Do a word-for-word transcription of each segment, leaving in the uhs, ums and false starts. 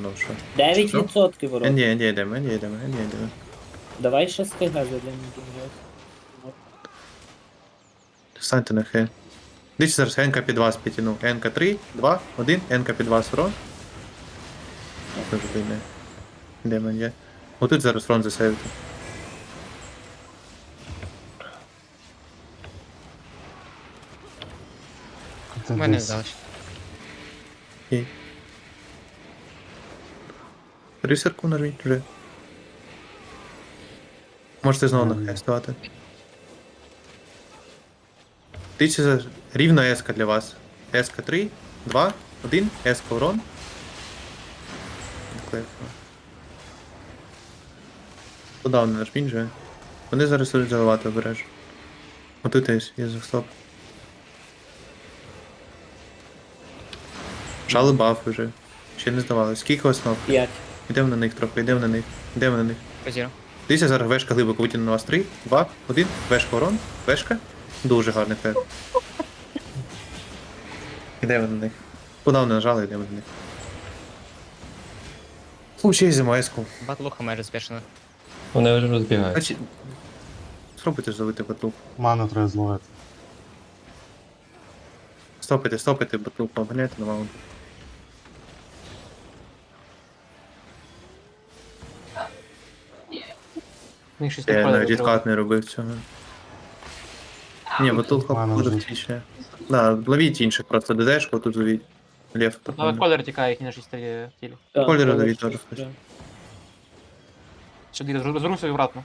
що. дев'ять відсотків ворот. Ні, ні, йдемо, ні, йдемо, ні, йдемо. Давай ще з КГ зайдемо. Станьте на хе. Дивіться зараз, НК під вас підтягнув. НК три, два, один, НК під вас урон. Дуже бійне. Демон є. Отут зараз урон засейвити. Це У мене десь. здалося. Окей. Рисерку нажміть вже. Можете знову на хе ставати. Дивіться зараз, рівно еска для вас. Еска три, два, один, еска урон. Подавно нажміть вже. Вони зараз будуть заливати обережно. Отут є, є захстоп. Жали бафи вже. Ще не здавали. Скільки основ? п'ять. Йдемо на них трохи, йдемо на них. Йдемо на них. Позіро. Дивіться, зараз вешка глибоко витягне на вас. три, два, один. Вешка урон. Вешка. Дуже гарний фер. Йдемо на них. Подавно нажали, йдемо на них. Случай зі еску. Батлуха майже збешена. Вони вже розбігаються. Значить, спробуйте зловити батлук. Ману треба зловити. Стопайте, стопайте батлук, поганяйте на маунт. Мені щось Я не навіть треба. відкат не робив цього. Ні, батлук Ладно, буде вже. втічне. Да, ловіть інших, просто ДДшку, тут зовіть. Лев. Але колір тікає, їх на шість тілі. Так, Кольори але давіть щось, теж хтось. да. Що ти розвернувся і обратно.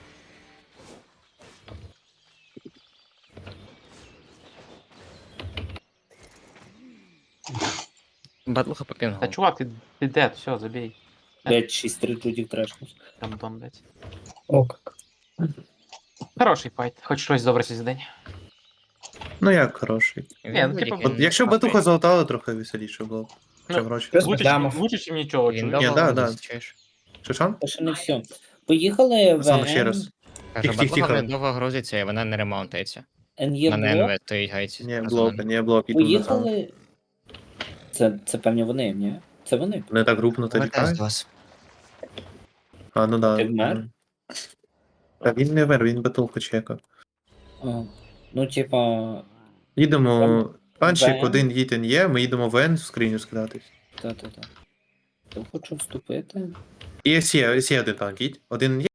Батлуха по пінгу. Та чувак, ти, ти дед, все, забій. Блять, шість три тут їх трешнуть. Там дом, блядь. О, как. Хороший файт, хоч щось добре сьогодні день. Ну як хороший. Ні, ну, типу, От якщо б батуха золотала, трохи веселіше було б. Чим Ну, гроші. Плюс Лучше, дамов. чим- лучше, чим нічого, Він чуєш? Ні, довго да, да, да. чуєш? Шишан? Та ще не все. Поїхали в Саме ще раз. Каже, Тих, тих, батлуха тихо. вже довго грузиться і вона не ремонтується. НЄ На блок. НВ стоїть гайці. Ні, блок, ні, блок, іду на сам. Поїхали. Це, це певні вони, ні? Це вони. Вони так групнуто Вертаюсь літають. до вас. А, ну да. Ти вмер? Та він не вмер, він батулку чекав. А, ну, типа. Їдемо. Панчик, Вен. один їтен є, ми їдемо в Н в скриню скидатись. Та-та-та. Я хочу вступити. І є, є один танк, їдь. Один є.